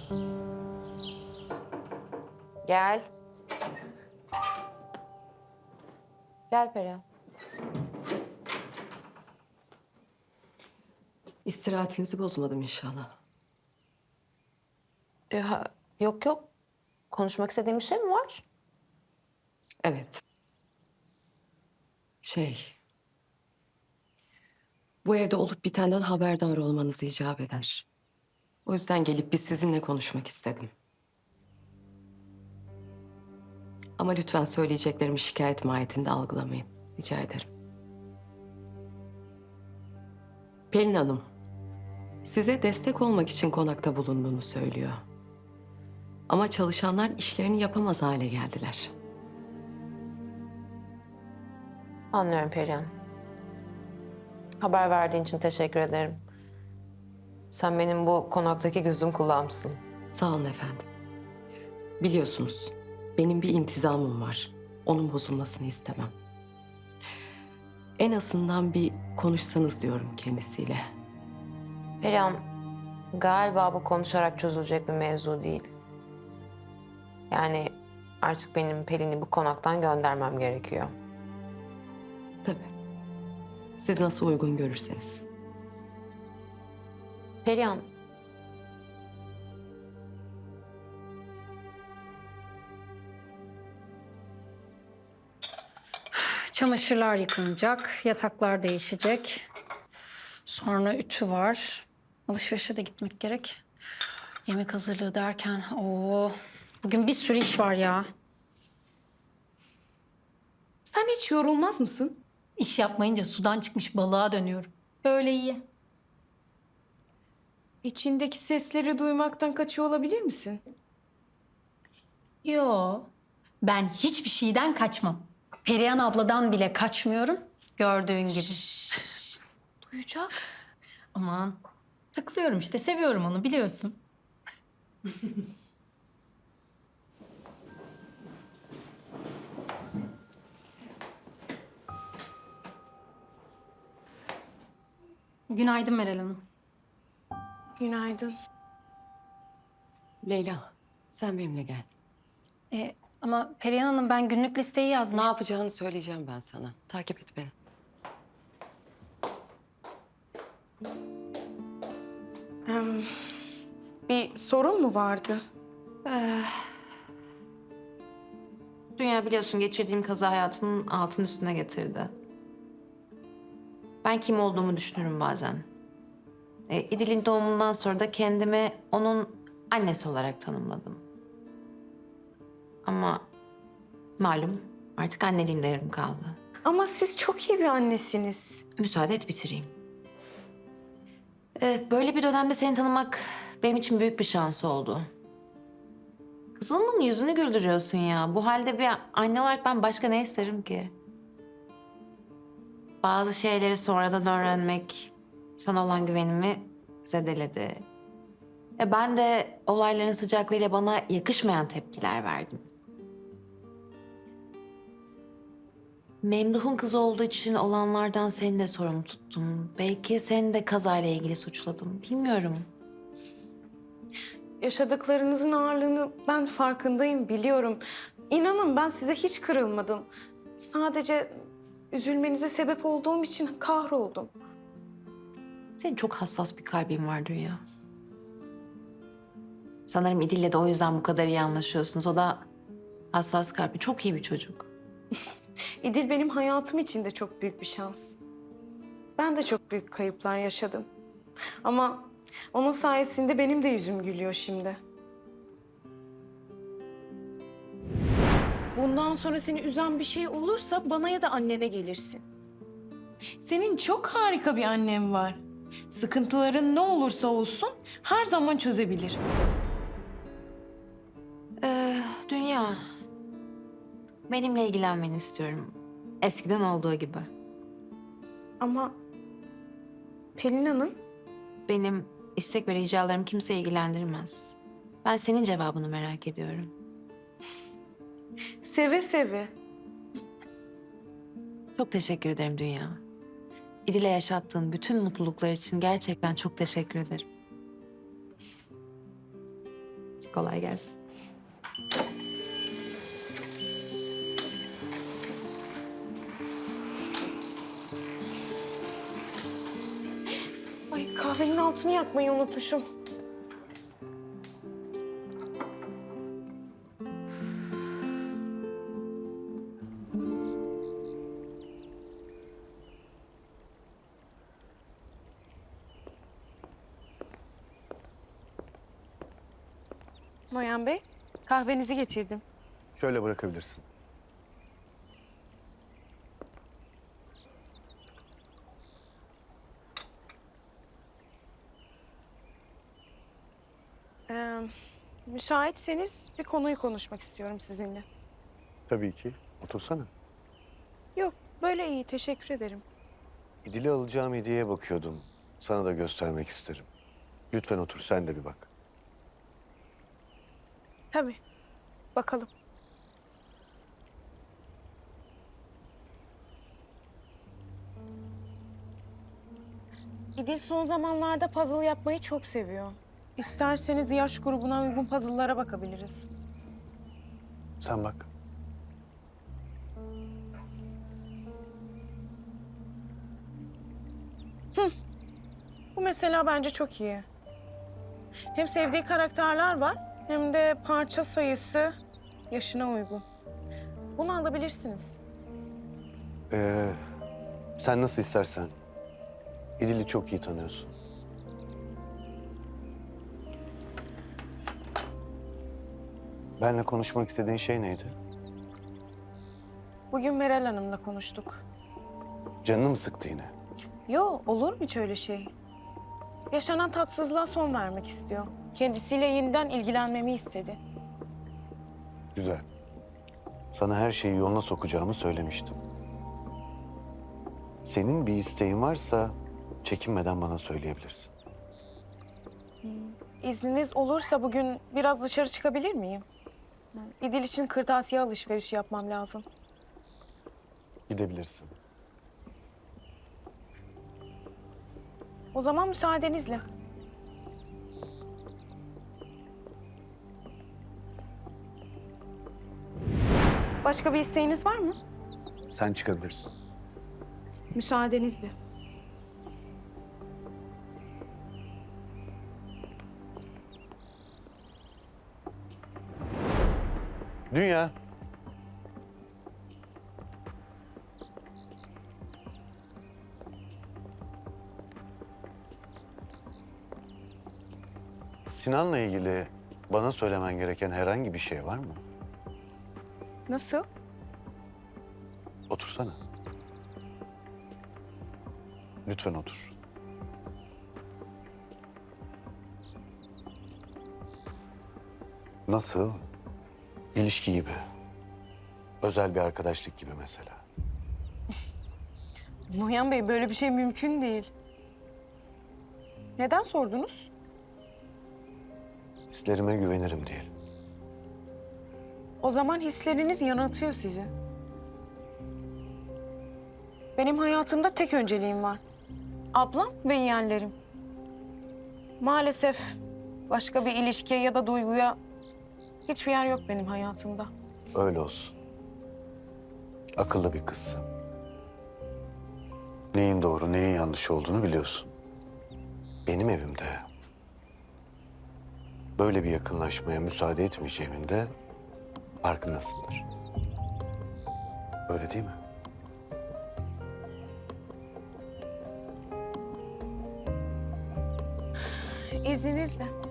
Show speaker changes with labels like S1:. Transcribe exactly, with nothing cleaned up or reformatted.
S1: Gel. Gel Perihan.
S2: İstirahatinizi bozmadım inşallah.
S1: Ee, ha- yok yok. Konuşmak istediğin bir şey mi var?
S2: Evet. Şey... Bu evde olup bitenden haberdar olmanız icap eder. O yüzden gelip biz sizinle konuşmak istedim. Ama lütfen söyleyeceklerimi şikayet mahiyetinde algılamayın. Rica ederim. Pelin Hanım, size destek olmak için konakta bulunduğunu söylüyor. Ama çalışanlar işlerini yapamaz hale geldiler.
S1: Anlıyorum Perihan. Haber verdiğin için teşekkür ederim. Sen benim bu konaktaki gözüm kulağımsın.
S2: Sağ olun efendim. Biliyorsunuz, benim bir intizamım var. Onun bozulmasını istemem. En azından bir konuşsanız diyorum kendisiyle.
S1: Perihan, galiba bu konuşarak çözülecek bir mevzu değil. Yani artık benim Pelin'i bu konaktan göndermem gerekiyor.
S2: Tabii. Siz nasıl uygun görürseniz.
S1: Perihan,
S3: Çamaşırlar yıkanacak, yataklar değişecek. Sonra ütü var. Alışverişe de gitmek gerek. Yemek hazırlığı derken, oo, bugün bir sürü iş var ya.
S4: Sen hiç yorulmaz mısın?
S3: İş yapmayınca sudan çıkmış balığa dönüyorum. Böyle iyi.
S4: İçindeki sesleri duymaktan kaçıyor olabilir misin?
S3: Yo, ben hiçbir şeyden kaçmam. Perihan abladan bile kaçmıyorum, gördüğün gibi.
S4: Duyacak.
S3: Aman, takılıyorum işte, seviyorum onu biliyorsun. Günaydın Meral Hanım.
S4: Günaydın.
S2: Leyla, sen benimle gel.
S3: Ee, ama Perihan Hanım ben günlük listeyi
S2: Ne
S3: yazmıştım.
S2: yapacağını söyleyeceğim ben sana. Takip et beni.
S4: Em, bir sorun mu vardı?
S1: dünya biliyorsun geçirdiğim kaza hayatımın altın üstüne getirdi. Ben kim olduğumu düşünürüm bazen. E, İdil'in doğumundan sonra da kendimi onun annesi olarak tanımladım. Ama malum artık anneliğim de yarım kaldı.
S4: Ama siz çok iyi bir annesiniz.
S1: Müsaade et bitireyim. Ee, böyle bir dönemde seni tanımak benim için büyük bir şans oldu. Kızımın yüzünü güldürüyorsun ya. Bu halde bir anne olarak ben başka ne isterim ki? Bazı şeyleri sonradan öğrenmek sana olan güvenimi zedeledi. E ben de olayların sıcaklığıyla bana yakışmayan tepkiler verdim. Memduh'un kızı olduğu için olanlardan seni de sorumlu tuttum. Belki seni de kazayla ilgili suçladım. Bilmiyorum.
S4: Yaşadıklarınızın ağırlığını ben farkındayım, biliyorum. İnanın ben size hiç kırılmadım. Sadece üzülmenize sebep olduğum için kahroldum.
S1: Senin çok hassas bir kalbin var Dünya. Sanırım İdil'le de o yüzden bu kadar iyi anlaşıyorsunuz. O da hassas kalpli, çok iyi bir çocuk.
S4: İdil benim hayatım için de çok büyük bir şans. Ben de çok büyük kayıplar yaşadım. Ama onun sayesinde benim de yüzüm gülüyor şimdi. Bundan sonra seni üzen bir şey olursa bana ya da annene gelirsin. Senin çok harika bir annen var. Sıkıntıların ne olursa olsun her zaman çözebilir.
S1: Ee, Dünya, benimle ilgilenmeni istiyorum. Eskiden olduğu gibi.
S4: Ama Pelin Hanım,
S1: Benim istek ve ricalarım kimse ilgilendirmez. Ben senin cevabını merak ediyorum.
S4: seve seve.
S1: Çok teşekkür ederim Dünya. İdil'e yaşattığın bütün mutluluklar için gerçekten çok teşekkür ederim. Kolay gelsin.
S4: Ay kahvenin altını yakmayı unutmuşum. Noyan Bey, kahvenizi getirdim.
S5: Şöyle bırakabilirsin.
S4: Ee, müsaitseniz bir konuyu konuşmak istiyorum sizinle.
S5: Tabii ki. Otursana.
S4: Yok, böyle iyi. Teşekkür ederim.
S5: İdil'e alacağım hediyeye bakıyordum. Sana da göstermek isterim. Lütfen otur, sen de bir bak.
S4: Tabii. Bakalım. İdil son zamanlarda puzzle yapmayı çok seviyor. İsterseniz yaş grubuna uygun puzzle'lara bakabiliriz.
S5: Sen bak.
S4: Bu mesela bence çok iyi. Hem sevdiği karakterler var hem de parça sayısı yaşına uygun. Bunu alabilirsiniz.
S5: Ee, sen nasıl istersen. İdil'i çok iyi tanıyorsun. Benle konuşmak istediğin şey neydi?
S4: Bugün Meral Hanım'la konuştuk.
S5: Canını mı sıktı yine?
S4: Yo, olur mu hiç öyle şey? Yaşanan tatsızlığa son vermek istiyor. Kendisiyle yeniden ilgilenmemi istedi.
S5: Güzel. Sana her şeyi yoluna sokacağımı söylemiştim. Senin bir isteğin varsa çekinmeden bana söyleyebilirsin.
S4: İzniniz olursa bugün biraz dışarı çıkabilir miyim? İdil için kırtasiye alışverişi yapmam lazım.
S5: Gidebilirsin.
S4: O zaman müsaadenizle. Başka bir isteğiniz var mı?
S5: Sen çıkabilirsin.
S4: Müsaadenizle.
S5: Dünya. Sinan'la ilgili bana söylemen gereken herhangi bir şey var mı?
S4: Nasıl?
S5: Otursana. Lütfen otur. Nasıl? İlişki gibi. Özel bir arkadaşlık gibi mesela.
S4: Noyan Bey, böyle bir şey mümkün değil. Neden sordunuz?
S5: Hislerime güvenirim diyelim.
S4: O zaman hisleriniz yanıltıyor sizi. Benim hayatımda tek önceliğim var. Ablam ve yeğenlerim. Maalesef başka bir ilişkiye ya da duyguya hiçbir yer yok benim hayatımda.
S5: Öyle olsun. Akıllı bir kızsın. Neyin doğru, neyin yanlış olduğunu biliyorsun. Benim evimde böyle bir yakınlaşmaya müsaade etmeyeceğimin de farkındasındır. Öyle değil mi?
S4: İzninizle.